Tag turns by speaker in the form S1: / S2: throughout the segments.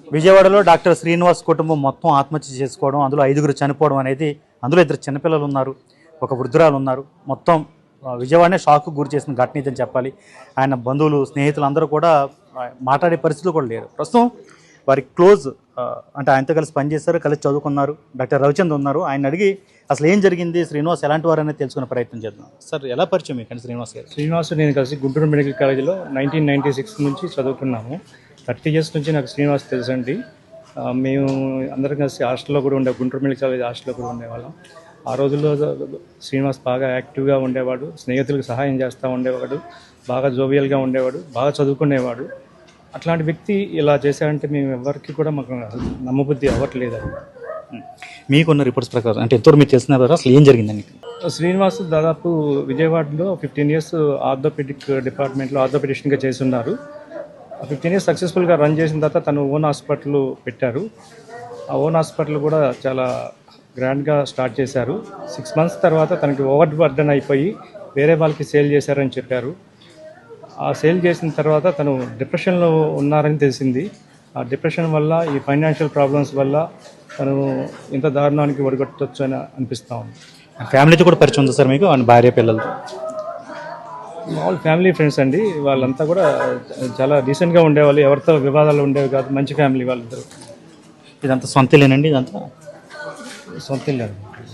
S1: విజయవాడలో డాక్టర్ శ్రీనివాస్ కుటుంబం మొత్తం ఆత్మహత్య చేసుకోవడం, అందులో 5గురు చనిపోవడం అనేది, అందులో 2 చిన్నపిల్లలు ఉన్నారు, ఒక వృద్ధురాలు ఉన్నారు. మొత్తం విజయవాడనే షాక్కు గురి చేసిన ఘటన ఇదని చెప్పాలి. ఆయన బంధువులు, స్నేహితులు అందరూ కూడా మాట్లాడే పరిస్థితులు కూడా లేరు. ప్రస్తుతం వారి క్లోజ్ అంటే ఆయనతో కలిసి పనిచేశారు, కలిసి చదువుకున్నారు డాక్టర్ రవిచంద్ ఉన్నారు. ఆయన అడిగి అసలు ఏం జరిగింది, శ్రీనివాస్ ఎలాంటి వారు అనేది తెలుసుకునే ప్రయత్నం చేద్దాం. సార్, ఎలా పరిచయం మీకు శ్రీనివాస్ గారు?
S2: శ్రీనివాస్ నేను కలిసి గుంటూరు మెడికల్ కాలేజీలో 1996 నుంచి చదువుకున్నాము. 30 years నుంచి నాకు శ్రీనివాస్ తెలుసండి. మేము అందరం కలిసి హాస్టల్లో కూడా గుంటూరు మెడికల్ కాలేజ్ హాస్టల్లో కూడా ఉండేవాళ్ళం. ఆ రోజుల్లో శ్రీనివాస్ బాగా యాక్టివ్గా ఉండేవాడు, స్నేహితులకు సహాయం చేస్తూ ఉండేవాడు, బాగా జోవియల్గా ఉండేవాడు, బాగా చదువుకునేవాడు. అట్లాంటి వ్యక్తి ఇలా చేశారంటే మేము ఎవరికి కూడా మాకు నమ్మబుద్ధి అవ్వట్లేదు.
S1: మీకున్న రిపోర్ట్స్ ప్రకారం అంటే ఎంతో మీరు తెలిసిన అసలు ఏం జరిగిందండి?
S2: శ్రీనివాస్ దాదాపు విజయవాడలో 15 years ఆర్థోపెడిక్ డిపార్ట్మెంట్లో ఆర్థోపెడిషన్గా చేసి ఉన్నారు. 15 years సక్సెస్ఫుల్గా రన్ చేసిన తర్వాత తను ఓన్ హాస్పిటల్ పెట్టారు. ఆ ఓన్ హాస్పిటల్ కూడా చాలా గ్రాండ్గా స్టార్ట్ చేశారు. 6 months తర్వాత తనకి ఓవర్ బర్డెన్ అయిపోయి వేరే వాళ్ళకి సేల్ చేశారని చెప్పారు. ఆ సేల్ చేసిన తర్వాత తను డిప్రెషన్లో ఉన్నారని తెలిసింది. ఆ డిప్రెషన్ వల్ల, ఈ ఫైనాన్షియల్ ప్రాబ్లమ్స్ వల్ల తను ఇంత దారుణానికి ఒడిగొట్టవచ్చు అని అనిపిస్తూ ఉంది.
S1: ఫ్యామిలీతో కూడా పరిచయం ఉంది సార్ మీకు, భార్య పిల్లలతో?
S2: మామూలు ఫ్యామిలీ ఫ్రెండ్స్ అండి. వాళ్ళంతా కూడా చాలా డీసెంట్గా ఉండేవాళ్ళు, ఎవరితో వివాదాలు ఉండేవి కాదు. మంచి ఫ్యామిలీ వాళ్ళిద్దరు.
S1: ఇదంతా సొంతలేనండి? ఇదంతా
S2: సొంత ఇల్లు.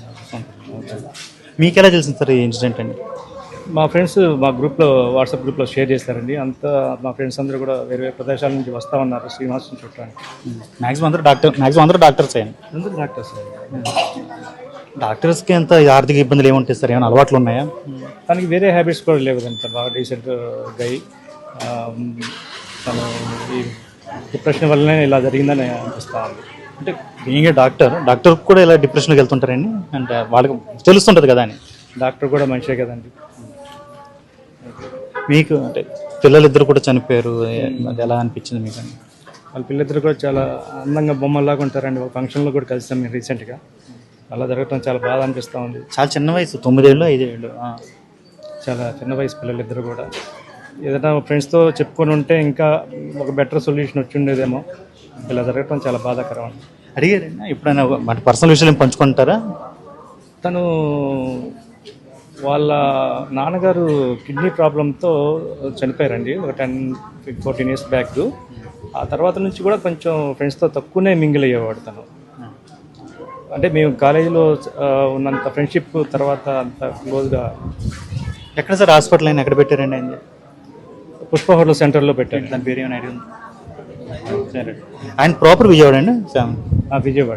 S1: మీకు ఎలా తెలిసింది సార్ ఈ ఇన్సిడెంట్ అండి?
S2: మా ఫ్రెండ్స్ మా గ్రూప్లో, వాట్సాప్ గ్రూప్లో షేర్ చేస్తారండి. అంతా మా ఫ్రెండ్స్ అందరూ కూడా వేరే వేరే ప్రదేశాల నుంచి వస్తూ ఉన్నారు శ్రీనివాస్ని చూడటానికి.
S1: మ్యాక్సిమం అందరూ డాక్టర్స్ అయ్యాను.
S2: అందరూ డాక్టర్స్.
S1: డాక్టర్స్కి ఎంత ఆర్థిక ఇబ్బందులు ఏముంటాయి సార్? ఏమైనా అలవాట్లు ఉన్నాయా?
S2: తనకి వేరే హ్యాబిట్స్ కూడా లేవు. అంత బాగా డీసెంట్ గై. తను ఈ డిప్రెషన్ వల్లనే ఇలా జరిగిందని అనిపిస్తూ ఉంది.
S1: అంటే బీయింగ్ డాక్టర్ కూడా ఇలా డిప్రెషన్కి వెళ్తుంటారండి అంటే వాళ్ళకి తెలుస్తుంటుంది కదా అని.
S2: డాక్టర్ కూడా మనిషే కదండి.
S1: మీకు అంటే పిల్లలిద్దరు కూడా చనిపోయారు, అది ఎలా అనిపించింది మీకు?
S2: వాళ్ళ పిల్లలిద్దరు కూడా చాలా అందంగా బొమ్మల్లాగా ఉంటారండి. ఒక ఫంక్షన్లో కూడా కలిసాం మేము రీసెంట్గా. అలా జరగటం చాలా బాధ అనిపిస్తూ ఉంది.
S1: చాలా చిన్న వయసు, 9 ఏళ్ళు 5 ఏళ్ళు,
S2: చాలా చిన్న వయసు పిల్లలిద్దరు కూడా. ఏదైనా ఫ్రెండ్స్తో చెప్పుకొని ఉంటే ఇంకా ఒక బెటర్ సొల్యూషన్ వచ్చి ఉండేదేమో. ఇలా జరగటం చాలా బాధాకరం అండి.
S1: అడిగారండి ఎప్పుడైనా మన పర్సనల్ విషయాలు పంచుకుంటారా?
S2: తను వాళ్ళ నాన్నగారు కిడ్నీ ప్రాబ్లంతో చనిపోయారండి ఒక 10-14 years బ్యాక్. ఆ తర్వాత నుంచి కూడా కొంచెం ఫ్రెండ్స్తో తక్కువనే మింగిల్ అయ్యేవాడు తను. అంటే మేము కాలేజీలో ఉన్నంత ఫ్రెండ్షిప్ తర్వాత అంత క్లోజ్గా.
S1: ఎక్కడ సార్ హాస్పిటల్ అయినా ఎక్కడ పెట్టారండి ఆయన?
S2: పుష్ప హోటల్ సెంటర్లో పెట్టారు.
S1: దాని పేరు ఏమైనా ఐడియా ఉంది? సరే, ఆయన ప్రాపర్ విజయవాడ అండి?
S2: విజయవాడ.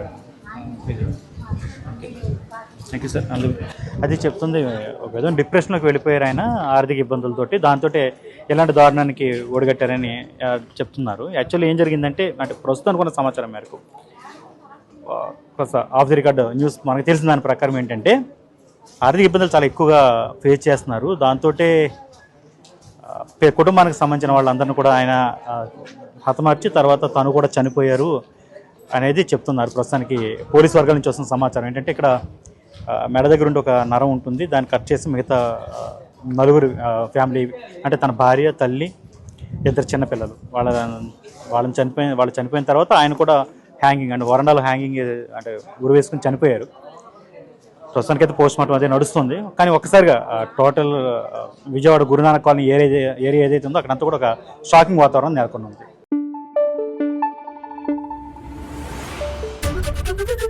S1: Thank you sir. అది చెప్తుంది, ఒక విధంగా డిప్రెషన్లోకి వెళ్ళిపోయారు ఆయన ఆర్థిక ఇబ్బందులతోటి. దాంతో ఎలాంటి దారుణానికి ఒడిగట్టారని చెప్తున్నారు. యాక్చువల్లీ ఏం జరిగిందంటే, అంటే ప్రస్తుతానికి ఉన్న సమాచారం మేరకు ఆఫ్ ది రికార్డ్ న్యూస్ మనకు తెలిసిన దాని ప్రకారం ఏంటంటే, ఆర్థిక ఇబ్బందులు చాలా ఎక్కువగా ఫేస్ చేస్తున్నారు. దాంతో కుటుంబానికి సంబంధించిన వాళ్ళందరినీ కూడా ఆయన హతమార్చి తర్వాత తను కూడా చనిపోయారు అనేది చెప్తున్నారు. ప్రస్తుతానికి పోలీస్ వర్గాల నుంచి వస్తున్న సమాచారం ఏంటంటే, ఇక్కడ మెడ దగ్గర ఉండి ఒక నరం ఉంటుంది, దాన్ని కట్ చేసి మిగతా 9 ఫ్యామిలీ అంటే తన భార్య, తల్లి, 2 చిన్నపిల్లలు వాళ్ళు చనిపోయిన తర్వాత ఆయన కూడా హ్యాంగింగ్ అంటే వరండాలో హ్యాంగింగ్ అంటే ఉరి వేసుకుని చనిపోయారు. ప్రస్తుతానికి అయితే పోస్ట్ మార్టం అదే నడుస్తుంది. కానీ ఒక్కసారిగా total Vijayawada Guru Nanak colony area ఏదైతే ఉందో అక్కడంతా కూడా ఒక షాకింగ్ వాతావరణం నెలకొని ఉంది.